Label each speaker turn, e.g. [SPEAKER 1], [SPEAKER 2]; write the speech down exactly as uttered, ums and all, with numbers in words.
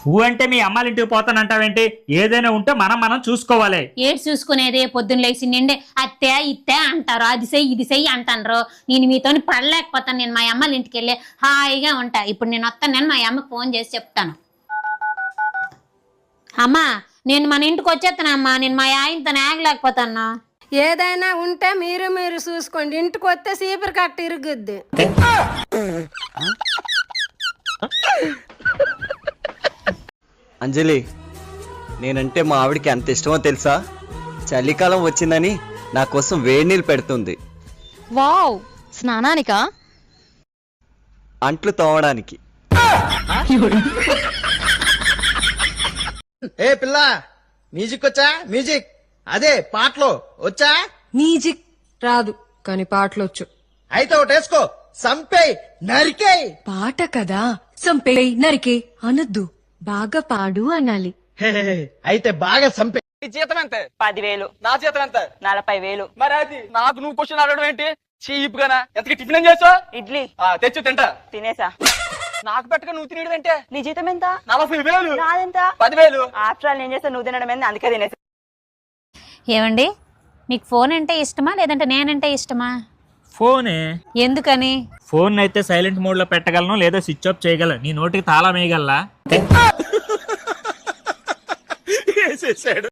[SPEAKER 1] ఊ అంటే మీ అమ్మాళ్ళ ఇంటికి పోతానంటావేంటి? ఏదైనా ఉంటే మనం మనం చూసుకోవాలి.
[SPEAKER 2] ఏడు చూసుకునేది పొద్దున్న లేచి నిండే అత్తే ఇత్తే అంటారు, అది చెయ్యి ఇది చెయ్యి అంటారు. నేను మీతో పడలేకపోతాను. నేను మా అమ్మాళ్ళ ఇంటికి వెళ్ళి హాయిగా ఉంటా. ఇప్పుడు నేను వస్తాను, నేను మా అమ్మకి ఫోన్ చేసి చెప్తాను. అమ్మా నేను మన ఇంటికి వచ్చేస్తానమ్మా, నేను మా ఆయనతో ఆగలేకపోతాను.
[SPEAKER 3] ఏదైనా ఉంటే మీరు మీరు చూసుకోండి. ఇంటికి వస్తే సీపర్ కట్ట ఇరుగుద్ది.
[SPEAKER 4] అంజలి, నేనంటే మా ఆవిడికి ఎంత ఇష్టమో తెలుసా? చలికాలం వచ్చిందని నా కోసం వేడి నీళ్ళు పెడుతుంది.
[SPEAKER 5] వావ్, స్నానానికా?
[SPEAKER 4] అంట్లు తోమడానికి.
[SPEAKER 6] ఏ పిల్ల, మ్యూజిక్ వచ్చా? మ్యూజిక్ అదే పాటలు వచ్చా?
[SPEAKER 7] మ్యూజిక్ రాదు కానీ పాటలొచ్చు.
[SPEAKER 6] అయితే ఒకటి వేసుకో, సంపే నరికే.
[SPEAKER 7] పాట కదా, సంపే నరికే అనొద్దు, బాగా పాడు అనాలి.
[SPEAKER 6] అయితే బాగా సంపే.
[SPEAKER 8] జీతం ఎంత?
[SPEAKER 9] పదివేలు.
[SPEAKER 8] నా జీతం ఎంత?
[SPEAKER 9] నలభై వేలు.
[SPEAKER 8] మరి అది నాకు నువ్వు క్వశ్చన్ అడగడం ఏంటి? చీప్ గానా? ఎంతకి టిఫిన్ ఏం చేసావు?
[SPEAKER 9] ఇడ్లీ
[SPEAKER 8] తెచ్చు తింటా.
[SPEAKER 9] తినేసా.
[SPEAKER 8] నాకు పెట్టక నువ్వు తినేది అంటే?
[SPEAKER 9] నీ జీతం ఎంత?
[SPEAKER 8] నలభై వేలు.
[SPEAKER 9] నాదెంత?
[SPEAKER 8] పదివేలు.
[SPEAKER 9] ఆఫ్టర్ ఆల్ నేను చేస్తా, నువ్వు తినడం ఏంది, అందుకే తినేసా.
[SPEAKER 2] ఏమండి, మీకు ఫోన్ అంటే ఇష్టమా లేదంటే నేనంటే ఇష్టమా?
[SPEAKER 1] ఫోనే.
[SPEAKER 2] ఎందుకని?
[SPEAKER 1] ఫోన్ అయితే సైలెంట్ మోడ్ లో పెట్టగలను, లేదా స్విచ్ ఆఫ్ చేయగలను. నీ నోటికి తాళం వేయగలలా?